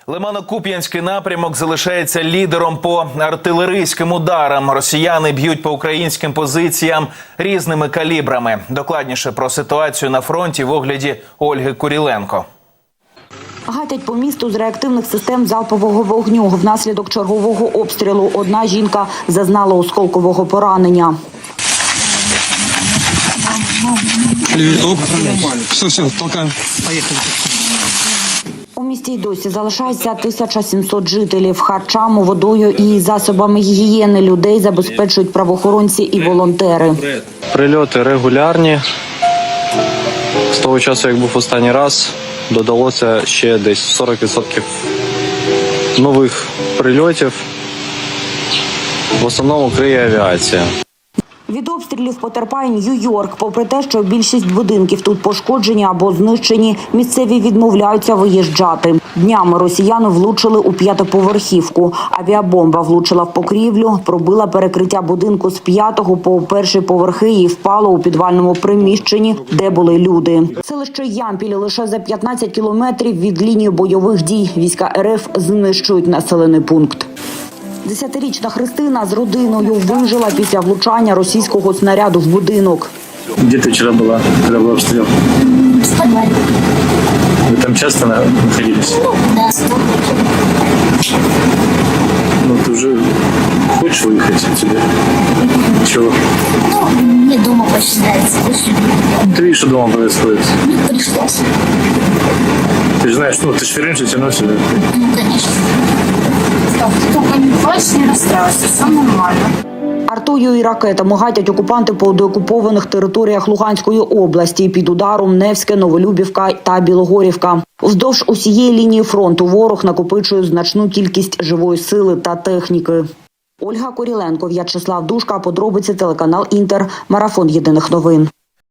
Лимано-Куп'янський напрямок залишається лідером по артилерійським ударам. Росіяни б'ють по українським позиціям різними калібрами. Докладніше про ситуацію на фронті в огляді Ольги Куріленко. Гатять по місту з реактивних систем залпового вогню. Внаслідок чергового обстрілу одна жінка зазнала осколкового поранення. Все, толкаем. Поехали. У місті й досі залишається 1700 жителів. Харчами, водою і засобами гігієни людей забезпечують правоохоронці і волонтери. Прильоти регулярні. З того часу, як був останній раз, додалося ще десь 40% нових прильотів. В основному криє авіація. Від обстрілів потерпає Нью-Йорк. Попри те, що більшість будинків тут пошкоджені або знищені, місцеві відмовляються виїжджати. Днями росіяни влучили у 5-поверхівку. Авіабомба влучила в покрівлю, пробила перекриття будинку з 5-го по 1-й поверхи і впала у підвальному приміщенні, де були люди. Селище Ямпіль лише за 15 кілометрів від лінії бойових дій. Війська РФ знищують населений пункт. 10-річна Христина з родиною вижила після влучання російського снаряду в будинок. Где ты вчера была, когда был обстрел? В подвале. Вы там часто находились? Да, 100. Ну, ты уже хочешь выехать отсюда? Чего? Ну, мне дома очень нравится. Ты видишь, что дома происходит? Ну, пришлось. Ты же знаешь, ну, ты же раньше все равно сюда. Ну, конечно. Только не плачь, не расстраивайся, все нормально. Артою і ракетами гатять окупанти по деокупованих територіях Луганської області. Під ударом Невське, Новолюбівка та Білогорівка. Вздовж усієї лінії фронту ворог накопичує значну кількість живої сили та техніки. Ольга Куріленко, В'ячеслав Душка, подробиці, телеканал Інтер, марафон єдиних новин.